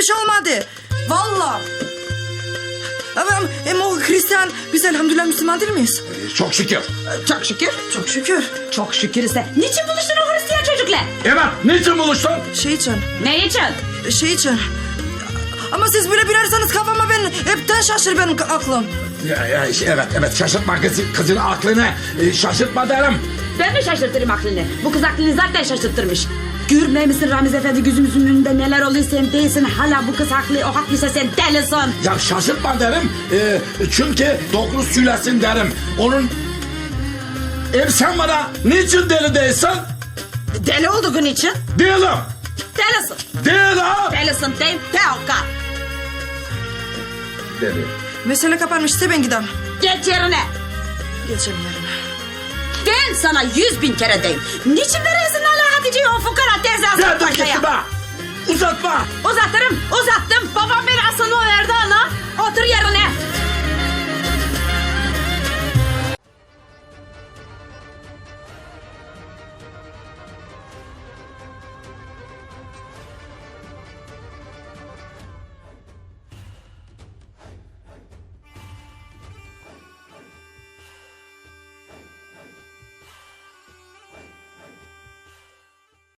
bir şey olmadı. Vallahi. Ama o Hristiyan, biz elhamdülillah Müslüman değil miyiz? Çok şükür. Çok şükür. Çok şükür. Çok şükür ise. Niçin buluştun o Hristiyan çocukla? Evet, niçin buluştun? Şey için. Ne için? Şey için. Ama siz böyle birersanız kafama hepten şaşır benim aklım. Evet, şaşırtma kızın aklını, şaşırtma derim. Ben mi şaşırtırım aklını? Bu kız aklını zaten şaşırtırmış. Görmüyor musun Ramiz Efendi, gözümüzün önünde neler oluyor, sen değilsin. Hala bu kız haklı, o haklıysa sen delisin. Ya şaşırtma derim, çünkü doğru söylesin derim. Onun... sen bana niçin deli değilsin? Deli olduğun için? Değilim. Delisin. Değilim. Delisin değil, Teoka. Deli. Mesele kapanmışsa ben gidem. Geç yerine. Geçelim yerine. Ben sana 100.000 kere deyim. Niçin veriyorsun hala Hatice'yi o fukara teyze Sen asıl de paşaya? gitme. Uzatma. Uzattım. Babam beni asılma verdi ana. Otur